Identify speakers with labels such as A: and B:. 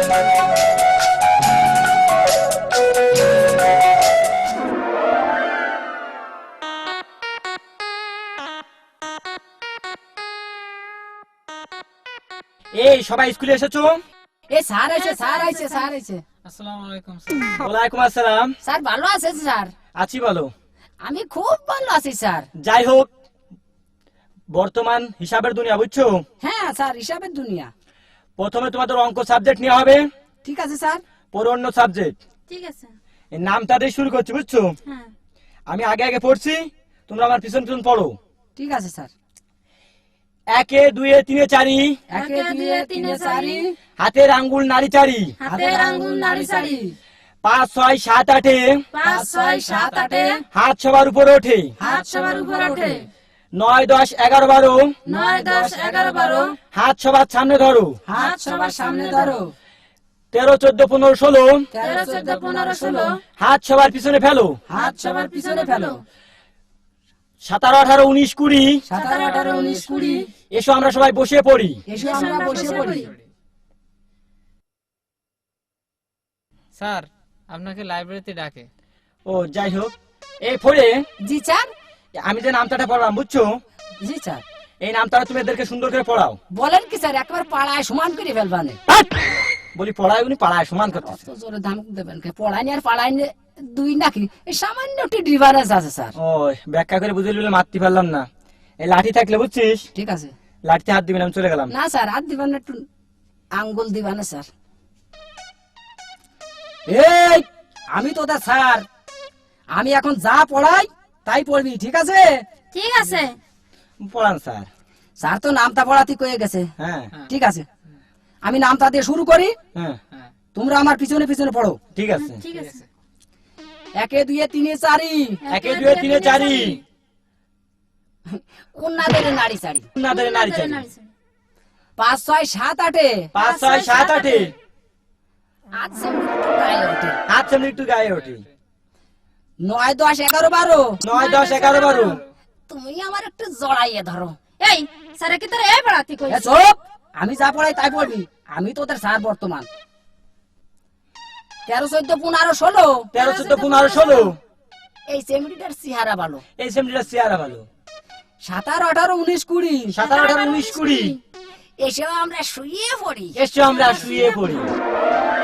A: এই সবাই স্কুলে এসেছো?
B: এই স্যার আইছে।
C: আসসালামু আলাইকুম।
A: ওয়ালাইকুম আসসালাম।
B: স্যার ভালো আছেন স্যার?
A: আছি, বলো।
B: আমি খুব ভালো আছি স্যার।
A: যাই হোক, বর্তমান হিসাবের দুনিয়া, বুঝছো?
B: হ্যাঁ স্যার, হিসাবের দুনিয়া।
A: প্রথমে তোমাদের অঙ্ক সাবজেক্ট নেওয়া হবে,
B: ঠিক আছে স্যার।
A: পরে অন্য সাবজেক্ট।
D: ঠিক আছে।
A: এই নামটা দিয়ে শুরু করছি, বুঝছো?
D: হ্যাঁ।
A: আমি আগে আগে পড়ছি, তোমরা আমার পিছন পিছন পড়ো।
B: ঠিক আছে স্যার।
A: 1 2 3 4
D: 1 2 3 4
A: হাতের আঙ্গুল নাড়ি চাড়ি,
D: হাতের আঙ্গুল নাড়ি চাড়ি
A: 5 6 7 8
D: 5 6 7 8
A: হাত সবার উপরে ওঠে,
D: হাত সবার উপর ওঠে
A: 9 10 11 12
D: 9 10 11 12
A: হাত সবার সামনে ধরো,
B: হাত সবার সামনে ধরো।
A: 13 14 15 16
D: 13 14 15 16
A: হাত সবার পিছনে ফেলো,
B: হাত সবার পিছনে ফেলো।
A: 17 18 19 20
B: 17 18 19 20
A: এসো আমরা সবাই বসে পড়ি।
B: এসো আমরা বসে পড়ি।
C: স্যার, আপনাকে লাইব্রেরিতে ডাকে।
A: ও যাই হোক, এই পড়ে
B: জি স্যার।
A: আমি যে নামটাটা পড়লাম, বুঝছো?
B: জি স্যার।
A: এই নামটা তুমি এদেরকে সুন্দর করে পড়াও।
B: বলেন কি স্যার, একবার পাড়ায় সমান করে ফেলবানে?
A: বলি পড়ায়, উনি পাড়ায় সমান করতে।
B: অত জোরে ধামক দেবেন কে? পড়ায়নি আর পাড়ায়নি দুই নাকি? এই সামান্য একটু ডিফারেন্স আছে স্যার।
A: ও ব্যাখ্যা করে বুঝে বলে মারতে পারলাম না। এই লাঠি থাকলে, বুঝছিস,
B: ঠিক আছে।
A: লাঠিতে হাত দিবি না, আমি চলে গেলাম।
B: না স্যার, হাত দিবেন না, একটু আঙ্গুল দিবেন না স্যার। এই আমি তো ওদের স্যার, আমি এখন যা পড়াই তাই পড়বি, ঠিক আছে?
D: ঠিক আছে।
A: পড়ান স্যার।
B: স্যার তো নামটা পড়াতে কয়ে গেছে।
A: হ্যাঁ
B: ঠিক আছে, আমি নামটা দিয়ে শুরু করি,
A: হ্যাঁ
C: হ্যাঁ,
B: তোমরা আমার পিছনে পিছনে পড়ো।
A: ঠিক আছে।
D: ঠিক আছে।
B: 1 2 3 4
A: 1 2 3 4
B: উন্নাদের নাড়ি চাড়ি।
A: নাদের নারী চাই।
B: 5 6 7 8
A: 5 6 7 8
B: আচ্ছা একটু গায়ে ওঠে।
A: হাত সামনে একটু গায়ে ওঠে।
B: 9 10 11 12
A: 9 10 11 12
B: তুমি আমার একটু জড়াইয়ে ধরো।
D: এই স্যার কি তোর এই পড়াতে কই?
B: এ চুপ, আমি যা পড়াই তাই পড়বি, আমি তো ওদের স্যার বর্তমান। 13 14 15 16
A: 13 14 15 16
B: এই সেমিটার চেহারা ভালো।
A: এই সেমটিটা চেহারা ভালো।
B: 17 18 19 20
A: 17 18 19 20
B: এসেও আমরা শুয়ে পড়ি।
A: এসো আমরা শুয়ে পড়ি।